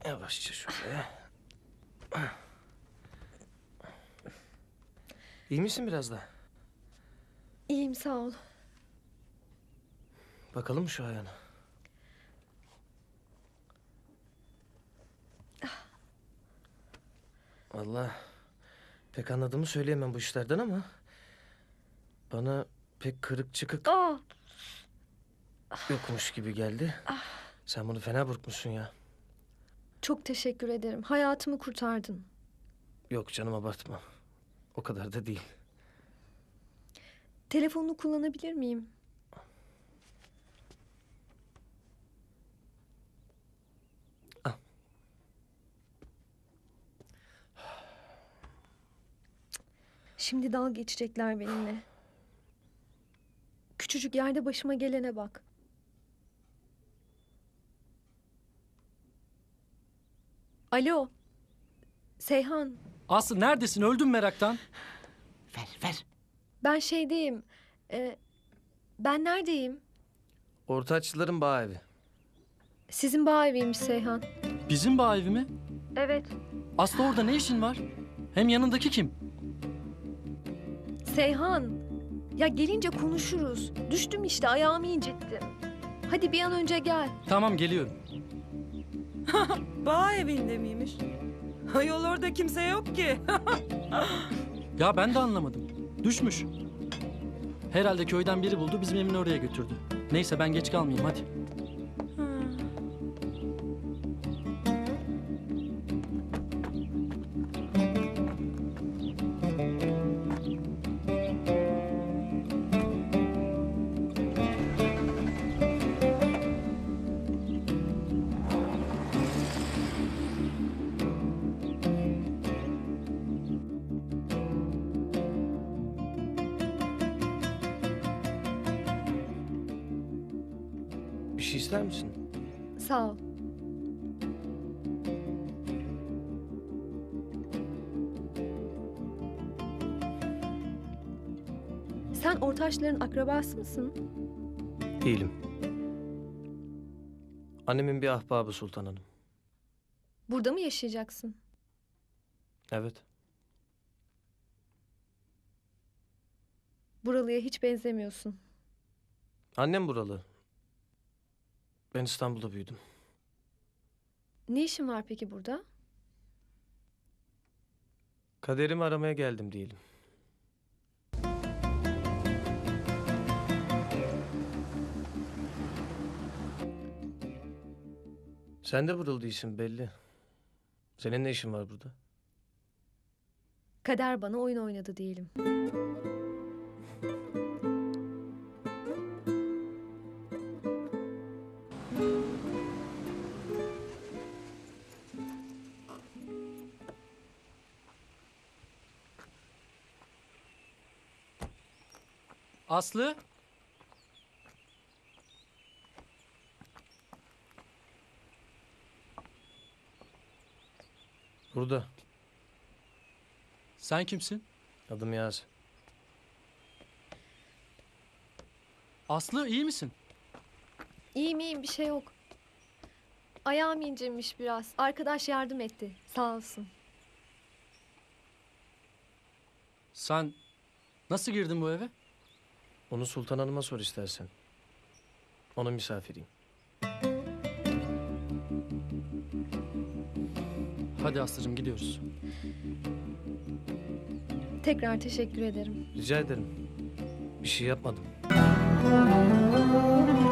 Yavaşça şöyle. İyi misin biraz da? İyiyim sağ ol. Bakalım şu ayağına. Vallahi pek anladığımı söyleyemem bu işlerden ama... bana pek kırık çıkık Aa, yokmuş gibi geldi. Sen bunu fena burkmuşsun ya. çok teşekkür ederim. Hayatımı kurtardın. Yok canım, abartma. O kadar da değil. Telefonunu kullanabilir miyim? Al. Şimdi dalga geçecekler benimle. Küçücük yerde başıma gelene bak. Alo. Seyhan, Aslı neredesin? Öldüm meraktan. Ver. ben şeydeyim. Ben neredeyim? Ortaçlıların bağ evi. Sizin bağ eviymiş Seyhan. Bizim bağ evi mi? Evet. Aslı orada ne işin var? Hem yanındaki kim? Seyhan. Ya gelince konuşuruz. Düştüm işte, ayağımı incittim. Hadi bir an önce gel. Tamam, geliyorum. Bağ evinde miymiş? Ayol orada kimse yok ki. Ya ben de anlamadım. Düşmüş. Herhalde köyden biri buldu, bizim evini oraya götürdü. Neyse ben geç kalmayayım hadi. Bir şey ister misin? Sağ ol. Sen Ortaçların akrabası mısın? Değilim. Annemin bir ahbabı Sultan Hanım. Burada mı yaşayacaksın? Evet. Buralıya hiç benzemiyorsun. Annem buralı. Ben İstanbul'da büyüdüm. Ne işin var peki burada? Kaderimi aramaya geldim diyelim. Sen de buralı değilsin belli. Senin ne işin var burada? Kader bana oyun oynadı diyelim. Aslı? Burada. Sen kimsin? Adım Yaz. Aslı iyi misin? İyiyim bir şey yok. Ayağım incinmiş biraz. Arkadaş yardım etti. Sağ olsun. Sen nasıl girdin bu eve? Onu Sultan Hanım'a sor istersen. Onun misafiriyim. Hadi Aslı'cığım gidiyoruz. Tekrar teşekkür ederim. Rica ederim. Bir şey yapmadım.